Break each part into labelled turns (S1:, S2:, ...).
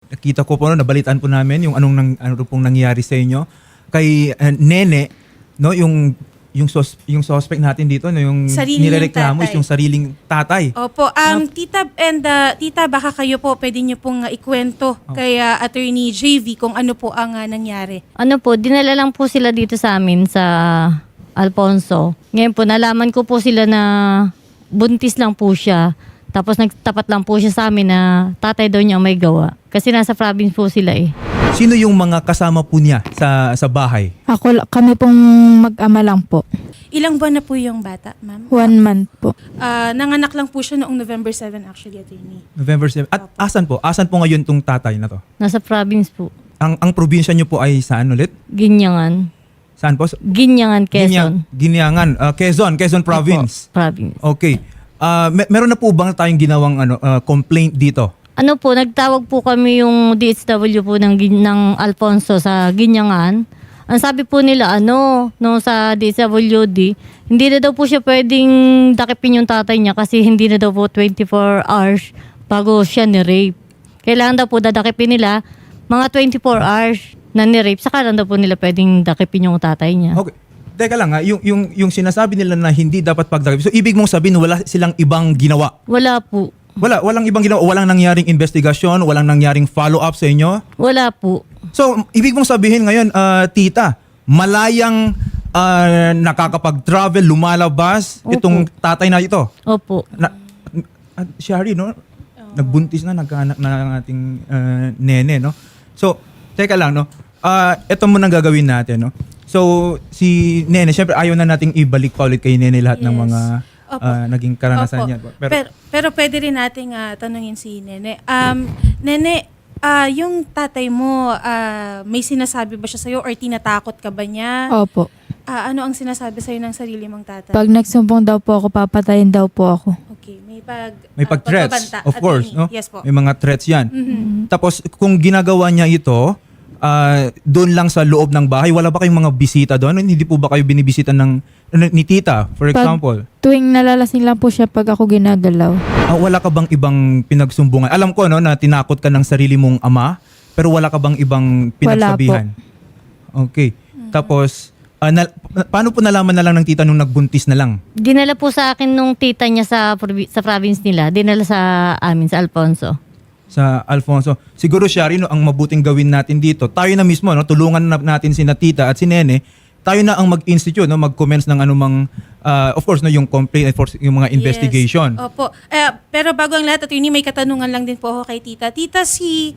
S1: nakita ko po, no, nabalitaan po namin yung ano pong nangyari sa inyo. Kay Nene, no, yung suspect natin dito, no, yung
S2: Sarili
S1: nirereklamo
S2: niyang
S1: is yung sariling tatay.
S2: Opo, tita, baka kayo po pwede niyo pong ikwento kay Attorney JV kung ano po ang nangyari.
S3: Ano po, dinala lang po sila dito sa amin sa Alfonso. Ngayon po, nalaman ko po sila na buntis lang po siya. Tapos nagtapat lang po siya sa amin na tatay daw niya ang may gawa. Kasi nasa province po sila eh.
S1: Sino yung mga kasama po niya sa bahay?
S4: Kami pong mag-ama lang po.
S2: Ilang buwan na po yung bata, ma'am?
S4: 1 month po.
S2: Nanganak lang po siya noong November 7 actually, Attorney.
S1: November 7. At asan po? Asan po ngayon tong tatay na to?
S3: Nasa province po.
S1: Ang probinsya niyo po ay saan ulit?
S3: Ginyangan.
S1: Saan po?
S3: Ginyangan, Quezon.
S1: Ginyangan. Quezon Province.
S3: Opo, province.
S1: Okay. Meron na po bang tayong ginawang complaint dito?
S3: Ano po, nagtawag po kami yung DSW po ng Alfonso sa Ginyangan. Ang sabi po nila, sa DSWD, hindi na daw po siya pwedeng dakipin yung tatay niya kasi hindi na daw po 24 hours bago siya ni-rape. Kailangan daw po dadakipin nila mga 24 hours na ni-rape, saka lang daw po nila pwedeng dakipin yung tatay niya.
S1: Okay. Teka lang yung sinasabi nila na hindi dapat pagdakip. So ibig mong sabihin wala silang ibang ginawa?
S3: Wala po.
S1: Walang ibang ginawa, walang nangyaring investigasyon, walang nangyaring follow-up sa inyo?
S3: Wala po.
S1: So, ibig mong sabihin ngayon, tita, malayang nakakapag-travel, lumalabas,
S3: Opo.
S1: itong tatay na ito.
S3: Opo.
S1: Shari, no? Nagbuntis na, nagkaanak na ang ating nene, no? So, teka lang, no? Ito muna gagawin natin, no? So, si nene, syempre ayaw na nating ibalik pa ulit kay nene lahat ng
S2: Yes.
S1: mga naging karanasan
S2: Opo.
S1: niya.
S2: Pero pwede rin nating tanungin si Nene. Nene, yung tatay mo, may sinasabi ba siya sa'yo or tinatakot ka ba niya?
S4: Opo.
S2: Ano ang sinasabi sa'yo ng sarili mong tatay?
S4: Pag nagsumbong daw po ako, papatayin daw po ako.
S2: Okay, may
S1: Pag-threats,
S2: pagbabanta,
S1: of course,
S2: attorney.
S1: no?
S2: Yes po.
S1: May mga threats yan.
S2: Mhm.
S1: Tapos, kung ginagawa niya ito, doon lang sa loob ng bahay, wala ba kayong mga bisita doon? Hindi po ba kayo binibisita ni tita, for example?
S4: Tuwing nalalasing lang po siya pag ako ginagalaw.
S1: Wala ka bang ibang pinagsumbungan? Alam ko, no, na tinakot ka ng sarili mong ama, pero wala ka bang ibang pinagsabihan? Okay. Tapos, paano po nalaman na lang ng tita nung nagbuntis na lang?
S3: Dinala po sa akin nung tita niya sa province nila. Dinala sa amin, sa Alfonso.
S1: Sa Alfonso. Siguro, Shari, no, ang mabuting gawin natin dito, tayo na mismo, no, tulungan natin si tita at si nene, tayo na ang mag-institute, no, mag-commence ng anumang, of course, no, yung complaint, yung mga investigation.
S2: Yes. Opo. Pero bago ang lahat, attorney, may katanungan lang din po ako kay tita. Tita, si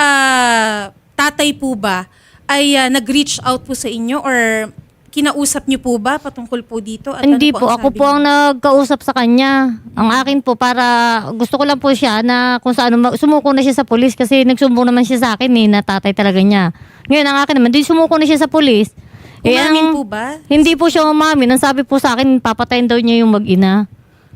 S2: tatay po ba ay nag-reach out po sa inyo or kinausap niyo po ba patungkol po dito? At
S3: Hindi
S2: ano
S3: po, ako
S2: sabi
S3: po
S2: niyo?
S3: ang nagkausap sa kanya. Ang akin po, para gusto ko lang po siya na kung saan sumuko na siya sa pulis kasi nagsumbong naman siya sa akin na tatay talaga niya. Ngayon, ang akin naman, di sumuko na siya sa pulis.
S2: Umamin po ba?
S3: Hindi po siya umamin. Ang sabi po sa akin, papatayin daw niya yung mag-ina.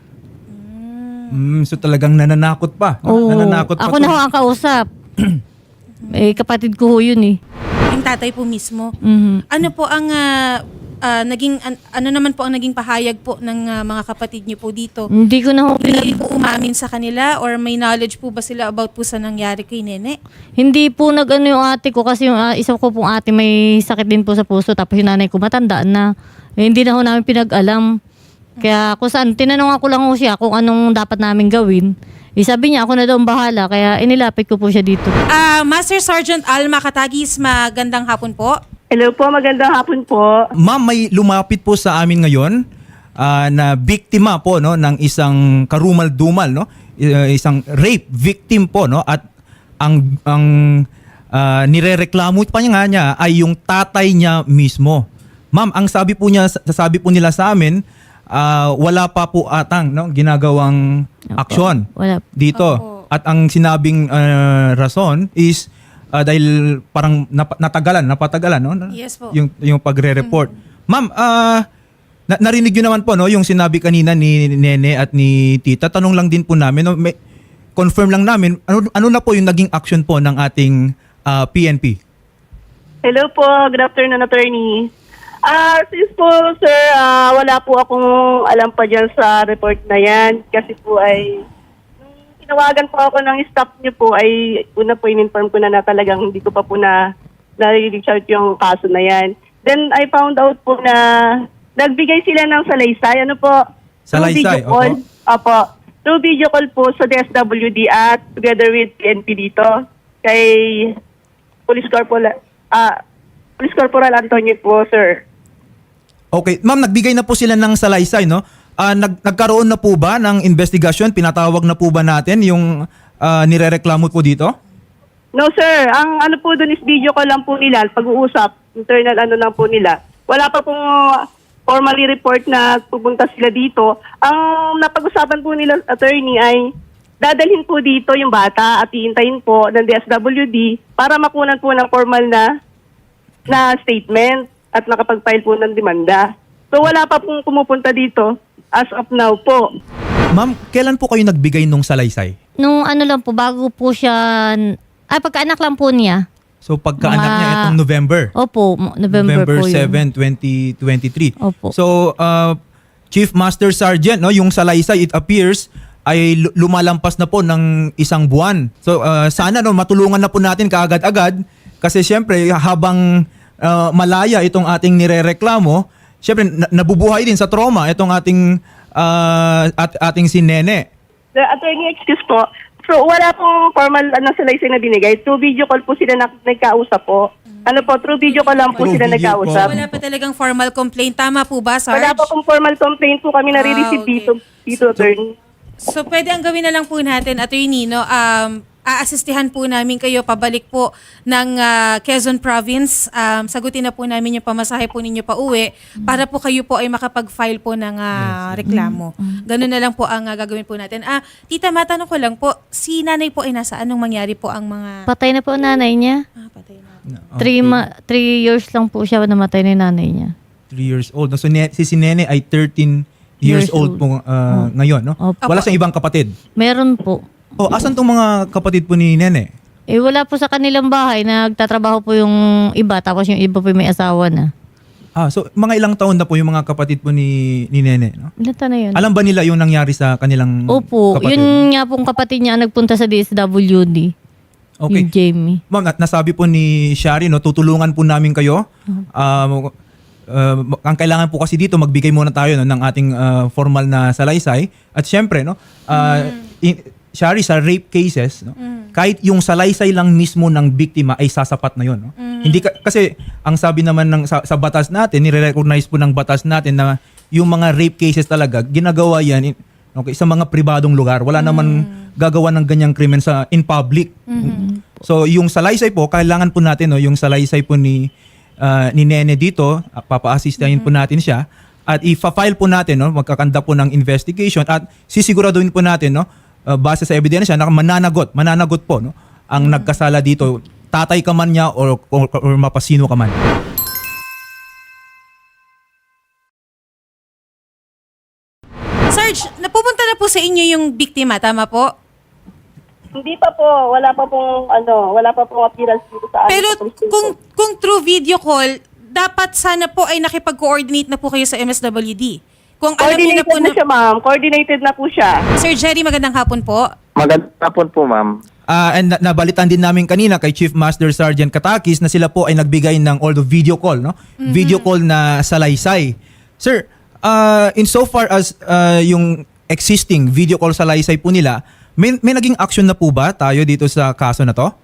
S1: So talagang nananakot pa. No?
S3: Oo.
S1: Nananakot pa
S3: Ako na ho ang kausap. Kapatid ko ho yun eh.
S2: Yung tatay po mismo.
S3: Mhm.
S2: Ano po ang ano naman po ang naging pahayag po ng mga kapatid niyo po dito?
S3: Hindi ko na ho
S2: Hindi po umamin sa kanila or may knowledge po ba sila about po sa nangyari kay Nene?
S3: Hindi po nag-ano yung ate ko kasi yung isa ko pong ate may sakit din po sa puso tapos yung nanay ko matanda na. Hindi na ho namin pinag-alam. Kaya kung saan, tinanong ako lang ho siya kung anong dapat namin gawin. Sabi niya ako na daw ang bahala kaya inilapit ko po siya dito.
S2: Master Sergeant Alma Katagis, magandang hapon po.
S5: Hello po, magandang hapon po.
S1: Ma'am, may lumapit po sa amin ngayon na biktima po, no, ng isang karumal-dumal, no, isang rape victim po, no, at ang nirereklamo pa niya ay yung tatay niya mismo. Ma'am, ang sabi po nila sa amin, wala pa po atang, no, ginagawang aksyon
S3: Wala.
S1: dito.
S2: Opo.
S1: At ang sinabing rason is dahil parang napatagalan, no?
S2: Yes po.
S1: Yung pagre-report. Ma'am, narinig niyo naman po, no, yung sinabi kanina ni Nene at ni Tita. Tanong lang din po namin, no, confirm lang namin, ano na po yung naging action po ng ating PNP?
S5: Hello po, good afternoon, attorney. Since po, sir, wala po akong alam pa dyan sa report na yan. Kasi po ay, tinawagan po ako ng staff niyo po ay una po in-inform ko na talagang hindi ko pa po na-reach out yung kaso na yan. Then I found out po na nagbigay sila ng salaysay. Ano po?
S1: Salaysay,
S5: Through video call. Opo. Through video call po sa DSWD at together with PNP dito kay Police Corporal Antonio po, sir.
S1: Okay. Ma'am, nagbigay na po sila ng salaysay, no? Nagkaroon na po ba ng investigasyon? Pinatawag na po ba natin yung nirereklamo po dito?
S5: No, sir. Ang ano po doon is video call lang po nila, pag-uusap, internal ano lang po nila. Wala pa pong formally report na pupunta sila dito. Ang napag-usapan po nila, attorney, ay dadalhin po dito yung bata at iintayin po ng DSWD para makunan po ng formal na statement at nakapag-file po ng demanda. So wala pa pong pumupunta dito as of now po.
S1: Ma'am, kailan po kayo nagbigay nung salaysay?
S3: Nung ano lang po, bago po siya, pagkaanak lang po niya.
S1: So pagkaanak
S3: Mga-
S1: niya itong November.
S3: Opo, November po yun.
S1: 7, 2023.
S3: Opo.
S1: So Chief Master Sergeant, no, yung salaysay, it appears ay lumalampas na po ng isang buwan. So sana no matulungan na po natin kaagad-agad kasi syempre habang malaya itong ating nirereklamo, syempre nabubuhay din sa trauma itong ating ating si Nene.
S5: The attorney, excuse po. So wala pong formal salaysay na binigay. Through video call po sila nagkausap po. Ano po, through video call lang po
S1: Through
S5: sila
S1: video
S5: nagkausap.
S2: Wala pa talagang formal complaint. Tama po ba, Sarge?
S5: Wala pa pong formal complaint po kami nare-receive
S2: okay.
S5: dito, attorney.
S2: So, pwede ang gawin na lang po natin, attorney, no? Aasistihan po namin kayo pabalik po ng Quezon Province. Sagutin na po namin yung pamasahe po ninyo pa uwi para po kayo po ay makapag-file po ng reklamo. Ganun na lang po ang gagawin po natin. Tita, matanong ko lang po, si nanay po ay nasa anong mangyari po ang mga...
S3: Patay na po nanay niya.
S2: patay na.
S3: 3 years lang po siya namatay ni nanay niya.
S1: 3 years old. No? So si Nene ay 13 years
S3: Years
S1: old
S3: old.
S1: po ngayon, no?
S3: Opo.
S1: Wala siyang ibang kapatid.
S3: Meron po.
S1: Oh, asan tong mga kapatid po ni Nene?
S3: Wala po sa kanilang bahay. Nagtatrabaho po yung iba, tapos yung iba po may asawa na.
S1: So mga ilang taon na po yung mga kapatid po ni Nene, no?
S3: Ilan taon na yun?
S1: Alam ba nila yung nangyari sa kanilang
S3: Opo,
S1: kapatid?
S3: yun nga pong kapatid niya ang nagpunta sa DSWD.
S1: Okay.
S3: Yung Jamie.
S1: Ma'am, nasabi po ni Shari, no, tutulungan po namin kayo. Ang kailangan po kasi dito, magbigay muna tayo no, ng ating formal na salaysay. At syempre, no, Shari, sa rape cases, no, kahit yung salaysay lang mismo ng biktima ay sasapat na yun. No? Hindi kasi ang sabi naman sa batas natin, nire-recognize po ng batas natin na yung mga rape cases talaga, ginagawa yan okay, sa mga pribadong lugar. Wala naman gagawa ng ganyang krimen in public. So yung salaysay po, kailangan po natin no, yung salaysay po ni Nene dito, papa-assistahin po natin siya at i-file po natin, no, magkakanda po ng investigation at sisiguraduhin po natin, no, base sa ebidensya na mananagot po, no, ang nagkasala dito, tatay ka man niya or mapasino ka man.
S2: Sarge, napupunta na po sa inyo yung biktima, tama po?
S5: Hindi pa po, wala pa pong appearance dito sa
S2: Pero
S5: sa police station.
S2: kung through video call, dapat sana po ay nakipag-coordinate na po kayo sa MSWD. Kung alam niyo na
S5: Coordinated
S2: po
S5: na siya, ma'am. Coordinated na po siya.
S2: Sir Jerry, magandang hapon po.
S6: Magandang hapon po, ma'am.
S1: And nabalitan din namin kanina kay Chief Master Sergeant Katakis na sila po ay nagbigay ng although video call, no? Video call na salaysay. Sir, insofar as yung existing video call salaysay po nila, may naging action na po ba tayo dito sa kaso na to?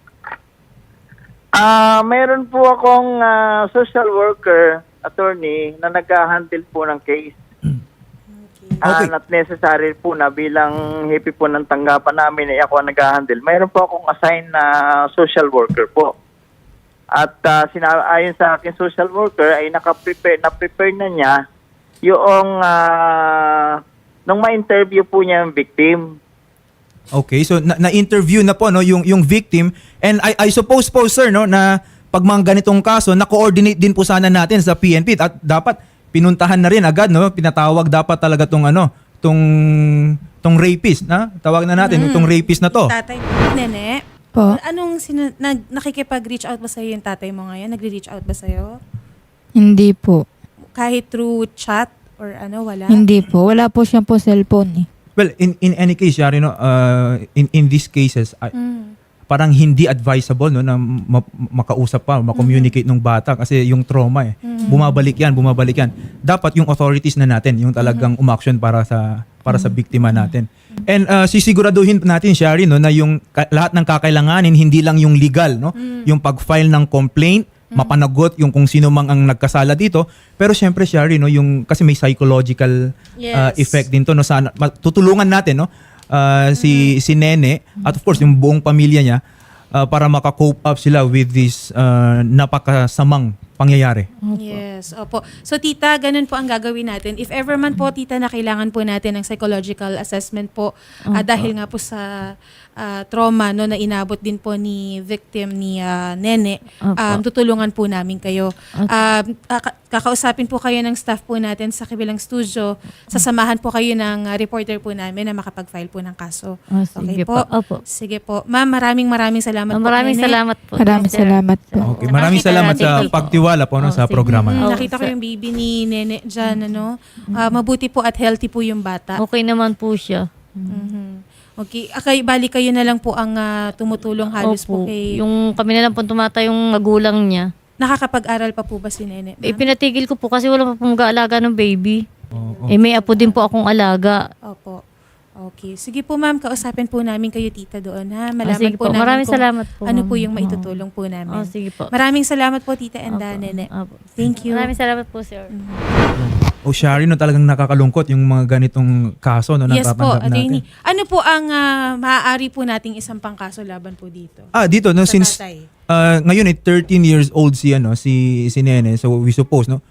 S6: Mayroon po akong social worker, attorney, na nag-handle po ng case.
S1: Okay.
S6: Not necessary po na bilang hipi po ng tanggapan namin ay ako ang nag-handle. Mayroon po akong assign na social worker po. At ayon sa akin social worker ay na-prepare na niya yung nung ma-interview po niya yung victim.
S1: Okay, so na-interview na po no yung victim and I suppose po sir no na pag mga ganitong kaso na-coordinate din po sana natin sa PNP at dapat pinuntahan na rin agad no, pinatawag dapat talaga tong tong rapist na tawag na natin itong rapist na to.
S2: Tatay, Nene,
S4: Po.
S2: anong nakikipag-reach out ba sa'yo yung tatay mo ngayon? Nagre-reach out ba sa'yo?
S4: Hindi po.
S2: Kahit through chat or wala?
S4: Hindi po. Wala po siyang po cellphone eh.
S1: Well, in any case, Shari, no, in these cases, parang hindi advisable, no, na makausap pa, makommunicate ng bata kasi yung trauma bumabalik yan. Dapat yung authorities na natin yung talagang umaksyon para sa biktima natin. And sisiguraduhin natin, Shari, no, na yung lahat ng kakailanganin, hindi lang yung legal, no, yung pag-file ng complaint, mapanagot yung kung sino mang ang nagkasala dito, pero syempre, Shari, no, yung kasi may psychological
S2: Yes.
S1: effect din to, no, sana tutulungan natin, no, si Nene at of course yung buong pamilya niya para maka-cope up sila with this napakasamang pangyayari.
S2: Yes, opo. So tita, ganun po ang gagawin natin. If ever man po tita na kailangan po natin ng psychological assessment po dahil nga po sa trauma no na inabot din po ni victim ni Nene, tutulungan po namin kayo. Kakausapin po kayo ng staff po natin sa kabilang studio. Sasamahan po kayo ng reporter po namin na makapag-file po ng kaso.
S3: Sige
S2: Okay po?
S3: po. Opo.
S2: Sige po. Ma'am, maraming salamat po.
S3: Maraming
S2: Nene.
S3: salamat po.
S4: Maraming
S3: sir.
S4: salamat po.
S1: Okay, maraming
S3: Nakita
S1: salamat
S3: natin
S1: sa
S3: po.
S1: pagtiwala po, no, sa
S3: sige.
S1: programa.
S3: Oh,
S2: Nakita ko
S3: sir.
S2: yung baby ni Nene dyan, ano. Mabuti po at healthy po yung bata.
S3: Okay naman po siya.
S2: Mhm. Okay. Bali kayo na lang po ang tumutulong halos po
S3: Opo.
S2: kay...
S3: Yung kami na lang po tumatay yung magulang niya.
S2: Nakakapag-aral pa po ba si Nene? ma'am?
S3: Pinatigil ko po kasi wala pa pong mag-aalaga ng baby.
S1: Oo.
S3: May apo din po akong alaga.
S2: Opo. Okay. Sige po ma'am, kausapin po namin kayo tita doon ha. Malaman
S3: sige
S2: po
S3: po.
S2: namin
S3: Maraming
S2: kung
S3: salamat po,
S2: ano
S3: ma'am.
S2: po yung maitutulong po namin.
S3: Sige po.
S2: Maraming salamat po tita and Nene.
S3: Opo.
S2: Thank you.
S3: Maraming salamat po, sir.
S1: Shari, no, talagang nakakalungkot yung mga ganitong kaso, no,
S2: Yes po,
S1: napapanap
S2: attorney.
S1: natin.
S2: Ano po ang maaari po nating isang pangkaso laban po dito?
S1: Dito, no,
S2: Sa
S1: since
S2: tatay.
S1: ngayon 13 years old si Nene, so we suppose, no,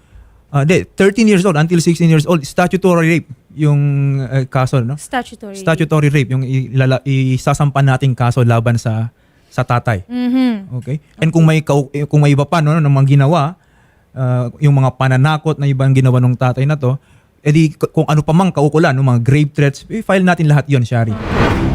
S1: 13 years old until 16 years old, statutory rape yung kaso, no? Statutory rape yung isasampan nating kaso laban sa tatay.
S2: Mhm.
S1: Okay? And kung may iba pa, no, ng mga ginawa, yung mga pananakot na ibang ginawa ng tatay na to, edi kung ano pa mang kaukulan, no, mga grave threats, i-file natin lahat yon, Shari.